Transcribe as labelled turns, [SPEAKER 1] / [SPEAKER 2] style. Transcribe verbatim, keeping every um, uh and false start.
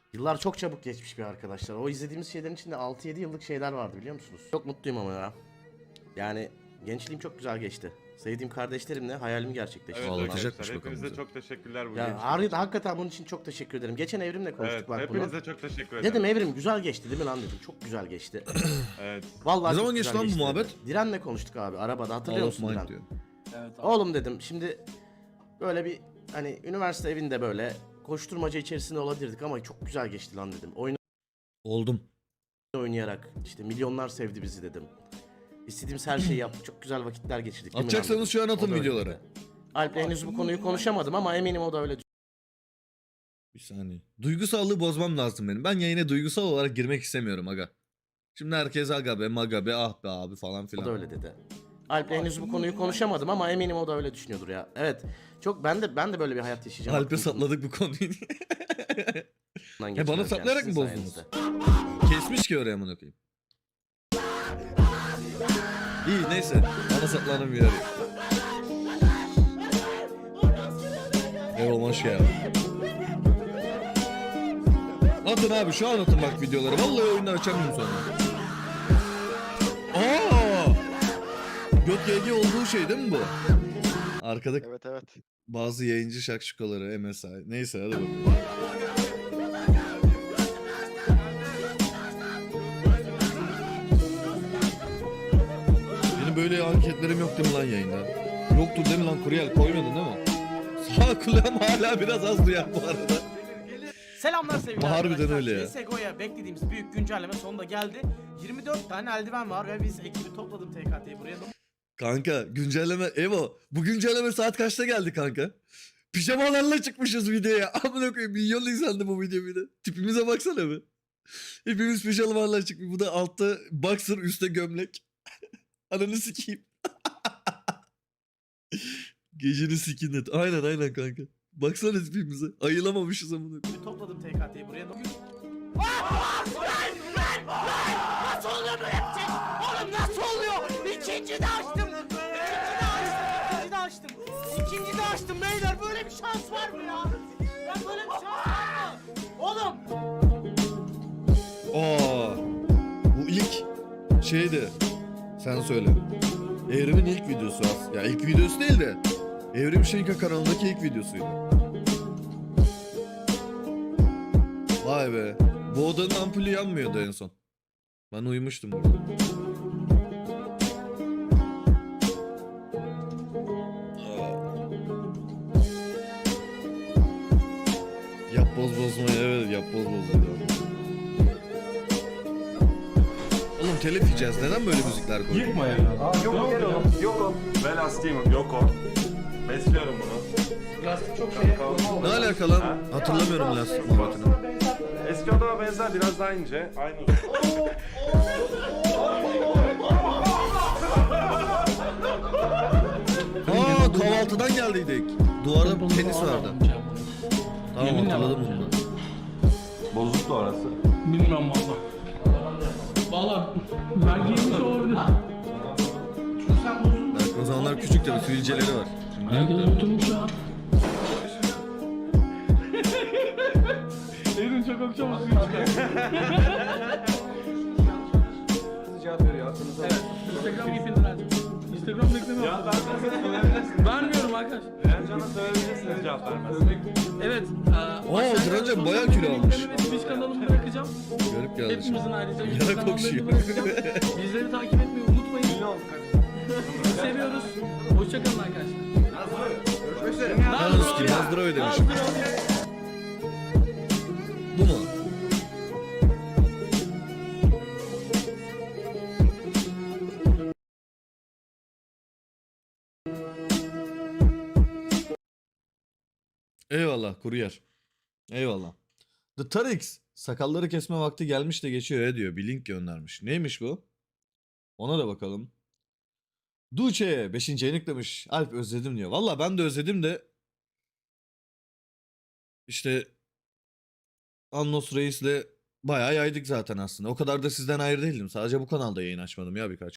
[SPEAKER 1] Yıllar çok çabuk geçmiş bir arkadaşlar. O izlediğimiz şeylerin içinde altı yedi yıllık şeyler vardı biliyor musunuz? Çok mutluyum ama ya. Yani gençliğim çok güzel geçti. Sevdiğim kardeşlerimle hayalimi gerçekleştirdim.
[SPEAKER 2] Evet
[SPEAKER 3] Ağlatacakmış
[SPEAKER 2] arkadaşlar
[SPEAKER 3] bakalım
[SPEAKER 2] hepinize
[SPEAKER 3] bizi.
[SPEAKER 2] çok teşekkürler bu
[SPEAKER 1] Ya
[SPEAKER 2] gençlik
[SPEAKER 1] har-
[SPEAKER 2] için.
[SPEAKER 1] hakikaten bunun için çok teşekkür ederim. Geçen Evrim'le konuştuk
[SPEAKER 2] Evet
[SPEAKER 1] bak bunu.
[SPEAKER 2] hepinize çok teşekkür ederim.
[SPEAKER 1] Dedim Evrim güzel geçti değil mi lan dedim. Çok güzel geçti.
[SPEAKER 2] Evet.
[SPEAKER 1] Vallahi
[SPEAKER 3] Ne
[SPEAKER 1] çok
[SPEAKER 3] zaman
[SPEAKER 1] güzel
[SPEAKER 3] geçti lan bu
[SPEAKER 1] dedi.
[SPEAKER 3] muhabbet?
[SPEAKER 1] Diren'le konuştuk abi arabada hatırlıyor
[SPEAKER 3] All of
[SPEAKER 1] musun
[SPEAKER 3] Mind
[SPEAKER 1] Diren?
[SPEAKER 3] diyor.
[SPEAKER 4] Evet abi.
[SPEAKER 1] Oğlum dedim şimdi böyle bir hani üniversite evinde böyle koşturmaca içerisinde olabilirdik ama çok güzel geçti lan dedim. Oyun
[SPEAKER 3] Oldum.
[SPEAKER 1] oynayarak işte milyonlar sevdi bizi dedim. İstediğimiz her şeyi yaptık. Çok güzel vakitler geçirdik. değil mi lan
[SPEAKER 3] Atacaksanız
[SPEAKER 1] dedim.
[SPEAKER 3] şu an atın
[SPEAKER 1] O da öyle
[SPEAKER 3] videoları.
[SPEAKER 1] dedi. Alp'le henüz bu konuyu konuşamadım ama eminim o da öyle
[SPEAKER 3] Bir saniye. Duygusallığı bozmam lazım benim. Ben yayına duygusal olarak girmek istemiyorum aga. Şimdi herkes aga be maga be ah be abi falan
[SPEAKER 1] o
[SPEAKER 3] filan.
[SPEAKER 1] da öyle dedi. Alp'le henüz bu konuyu konuşamadım ama eminim o da öyle düşünüyordur ya. Evet. Çok ben de ben de böyle bir hayat yaşayacağım.
[SPEAKER 3] Alp'e sapladık bu konuyu.
[SPEAKER 1] Bundan
[SPEAKER 3] He, bana
[SPEAKER 1] geçirerken
[SPEAKER 3] saplayarak mı
[SPEAKER 1] sizin
[SPEAKER 3] bozdunuz?
[SPEAKER 1] sayenizde.
[SPEAKER 3] Kesmiş ki oraya amına koyayım. İyi neyse. Bana saplanan bir yer yok. Eyvallah hoş geldin. Atın abi şu an atın bak videoları. Vallahi oyundan açamıyorum sonra. Aa! Göt G G olduğu şey değil mi bu? Arkada
[SPEAKER 5] Evet evet.
[SPEAKER 3] bazı yayıncı şakşukaları M S I. Neyse hadi bakalım. Benim böyle anketlerim yok değil mi lan yayında? Yoktur değil mi lan Kuryel koymadın değil mi? Sağ kulağım hala biraz az duyar bu arada.
[SPEAKER 4] Selamlar sevgili
[SPEAKER 3] Harbiden
[SPEAKER 4] arkadaşlar.
[SPEAKER 3] öyle ya.
[SPEAKER 4] C S G O'ya beklediğimiz büyük güncelleme sonunda geldi. yirmi dört tane eldiven var ve biz ekibi topladım T K T'yi buraya.
[SPEAKER 3] Kanka güncelleme Evo bu güncelleme saat kaçta geldi kanka? Pijamalarla çıkmışız videoya. Amına koyayım milyon izlendi bu video bir de. Tipimize baksana be. Hepimiz pijamalarla çıkmış. Bu da altta boxer üstte gömlek. Ananı sikeyim. Geceni sikin et. Aynen aynen kanka. Baksana tipimize. Ayılamamışız amına koyayım.
[SPEAKER 4] Topladım T K T'yi buraya. Bugün
[SPEAKER 6] Nasıl oluyor bu hepsi? Oğlum nasıl oluyor? İkinci de açtım. İkinci de açtım. İkinci de açtım. İkinci de açtım beyler. Böyle bir şans var mı ya? Ya böyle bir şans var mı? Oğlum.
[SPEAKER 3] Aa, bu ilk şeydi. Sen söyle. Evrim'in ilk videosu az. Ya ilk videosu değil de Evrim Şenka kanalındaki ilk videosuydu. Vay be. Bu odanın ampulü yanmıyordu en son. Ben uyumuştum burada. Aa. Yap boz bozmayı evet yap boz bozmayı. Oğlum telif yiyeceğiz. Neden böyle müzikler koyuyor?
[SPEAKER 2] Yıkma ya. Aa yok o gel oğlum. Yok o. Ben hastayım yok o. Besliyorum bunu.
[SPEAKER 4] lastik çok şey.
[SPEAKER 3] Ne alaka lan? Hatırlamıyorum lastik muhabbetini.
[SPEAKER 2] Eski odama benzer biraz daha ince. Aynı uzun.
[SPEAKER 3] Aa kahvaltıdan geldiydik. Duvarda tenis vardı. Tamam hatırladım bunu.
[SPEAKER 2] Bozuktu orası.
[SPEAKER 7] Bilmem valla. Valla ben giymiş olabilir.
[SPEAKER 3] Bak o zamanlar küçük tabii sivilceleri var.
[SPEAKER 7] Herkes oturmuş ya. Evin çok akşam suyu çıkar.
[SPEAKER 2] Cevap veriyor aklınıza.
[SPEAKER 7] Evet. Instagram ipini vereceğim. Instagram bekleme
[SPEAKER 2] Cevap
[SPEAKER 7] yaptım.
[SPEAKER 2] vermezseniz verebilirsiniz.
[SPEAKER 7] Vermiyorum arkadaş.
[SPEAKER 2] Ercan'a söyleyebilirsiniz cevap vermezseniz.
[SPEAKER 7] Evet.
[SPEAKER 3] Oo,
[SPEAKER 7] aşağıya
[SPEAKER 3] Direncan
[SPEAKER 7] sosyal
[SPEAKER 3] bayağı
[SPEAKER 7] medya
[SPEAKER 3] kilo almış.
[SPEAKER 7] linklerimi ve Twitch kanalımı bırakacağım.
[SPEAKER 3] Görüp geldi.
[SPEAKER 7] Hepimizin ayrıca
[SPEAKER 3] Yara
[SPEAKER 7] YouTube kanallarını
[SPEAKER 3] kokşuyor.
[SPEAKER 7] bırakacağım. Bizleri takip etmeyi unutmayın.
[SPEAKER 2] Ne oldu
[SPEAKER 7] Sizi seviyoruz. Hoşçakalın arkadaşlar.
[SPEAKER 2] Görüşmek üzere.
[SPEAKER 3] Yalnız ki Nazdır'a ödemişim. Bu mu? Eyvallah kuryer. Eyvallah. The Tarix sakalları kesme vakti gelmiş de geçiyor ya diyor. Bir link göndermiş. Neymiş bu? Ona da bakalım. Duce beşinci ayını demiş. Alp özledim diyor. Valla ben de özledim de işte Annos Reis'le bayağı yaydık zaten aslında. O kadar da sizden ayrı değildim. Sadece bu kanalda yayın açmadım ya birkaç